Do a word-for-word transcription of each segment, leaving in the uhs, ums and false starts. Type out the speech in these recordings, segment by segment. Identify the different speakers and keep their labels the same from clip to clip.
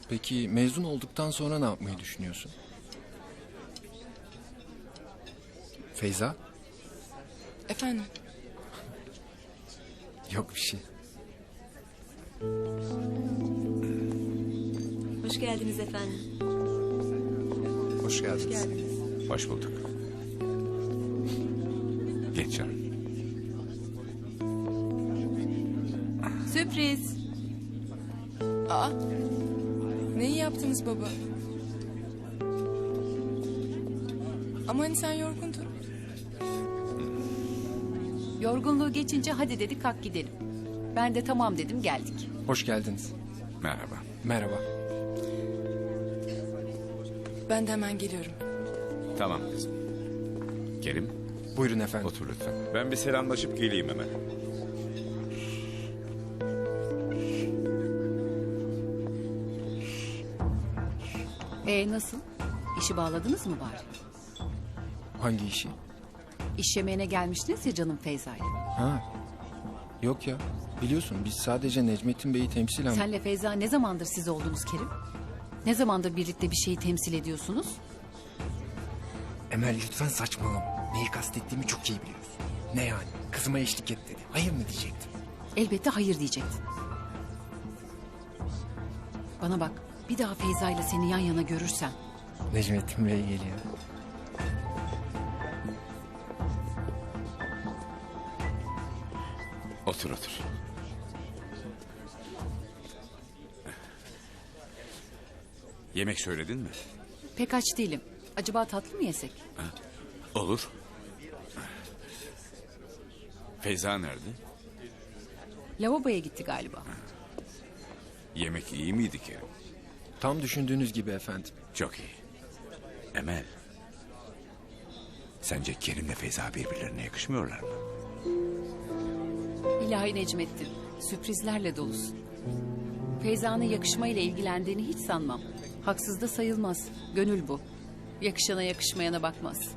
Speaker 1: Peki mezun olduktan sonra ne yapmayı düşünüyorsun? Feyza?
Speaker 2: Efendim?
Speaker 1: Yok bir şey.
Speaker 3: Hoş geldiniz efendim.
Speaker 1: Hoş geldiniz.
Speaker 3: Hoş geldiniz.
Speaker 4: Hoş bulduk. Geç canım.
Speaker 3: Sürpriz.
Speaker 2: Aa, neyi yaptınız baba? Ama hani sen yorgundun.
Speaker 5: Yorgunluğu geçince hadi dedik kalk gidelim. Ben de tamam dedim geldik.
Speaker 1: Hoş geldiniz.
Speaker 4: Merhaba.
Speaker 1: Merhaba.
Speaker 2: Ben de hemen geliyorum.
Speaker 4: Tamam kızım. Kerim,
Speaker 1: Buyurun efendim.
Speaker 4: otur lütfen. Ben bir selamlaşıp geleyim hemen.
Speaker 5: Ee nasıl? İşi bağladınız mı bari?
Speaker 1: Hangi işi?
Speaker 5: İş yemeğine gelmiştiniz ya canım Feyza'yla.
Speaker 1: Ha. Yok ya. Biliyorsun biz sadece Necmettin Bey'i temsilen...
Speaker 5: Senle Feyza ne zamandır siz oldunuz Kerim? Ne zamandır birlikte bir şeyi temsil ediyorsunuz?
Speaker 1: Emel lütfen saçmalama. Neyi kastettiğimi çok iyi biliyorsun. Ne yani? Kızıma eşlik et dedi. Hayır mı diyecektim?
Speaker 5: Elbette hayır diyecektin. Bana bak bir daha Feyza'yla seni yan yana görürsem...
Speaker 1: Necmettin Bey geliyor.
Speaker 4: Otur otur. Yemek söyledin mi?
Speaker 5: Pek aç değilim. Acaba tatlı mı yesek?
Speaker 4: Olur. Feyza nerede?
Speaker 5: Lavaboya gitti galiba.
Speaker 4: Yemek iyi miydi Kerim?
Speaker 1: Tam düşündüğünüz gibi efendim.
Speaker 4: Çok iyi. Emel. Sence Kerim'le Feyza birbirlerine yakışmıyorlar mı?
Speaker 5: İlahi Necmettin, sürprizlerle dolusun. Feyza'nın yakışmayla ilgilendiğini hiç sanmam. Haksız da sayılmaz. Gönül bu. Yakışana yakışmayana bakmaz.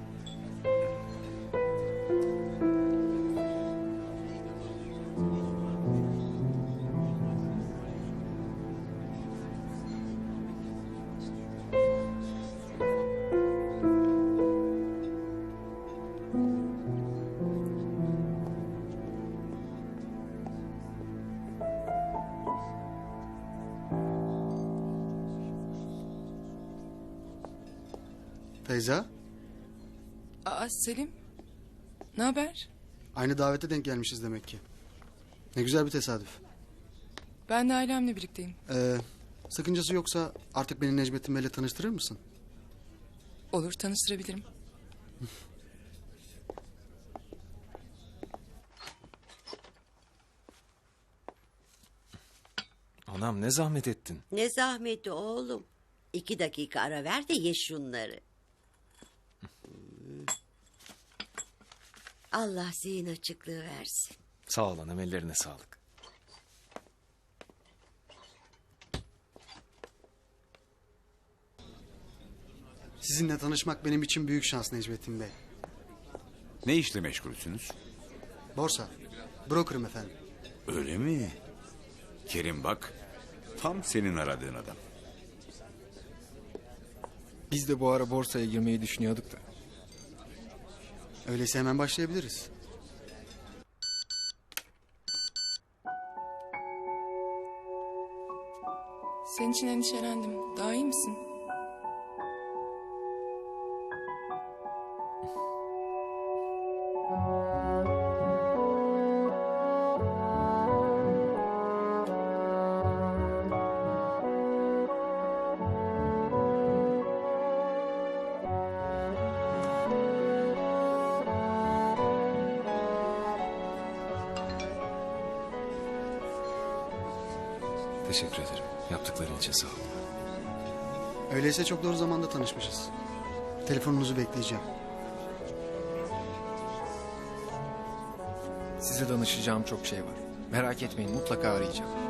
Speaker 6: Feyza,
Speaker 2: Aa, Selim. Ne haber?
Speaker 6: aynı davete denk gelmişiz demek ki. Ne güzel bir tesadüf.
Speaker 2: Ben de ailemle birlikteyim.
Speaker 6: Ee, sakıncası yoksa artık beni Necmettin Bey'le tanıştırır mısın?
Speaker 2: Olur, tanıştırabilirim.
Speaker 7: Anam ne zahmet ettin.
Speaker 8: Ne zahmeti oğlum. İki dakika ara ver de ye şunları. Hmm. Allah zihin açıklığı versin.
Speaker 7: Sağ ol anam, ellerine sağlık.
Speaker 6: Sizinle tanışmak benim için büyük şans Necmettin Bey.
Speaker 4: Ne işle meşgulsünüz?
Speaker 6: Borsa, broker'ım efendim.
Speaker 4: Öyle mi? Kerim bak, tam senin aradığın adam.
Speaker 1: Biz de bu ara borsaya girmeyi düşünüyorduk da.
Speaker 6: Öyleyse hemen başlayabiliriz.
Speaker 2: Senin için endişelendim. Daha iyi misin?
Speaker 7: Teşekkür ederim. Yaptıkların için sağ ol.
Speaker 6: Öyleyse çok doğru zamanda tanışmışız. Telefonunuzu bekleyeceğim.
Speaker 1: Size danışacağım çok şey var. Merak etmeyin, mutlaka arayacağım.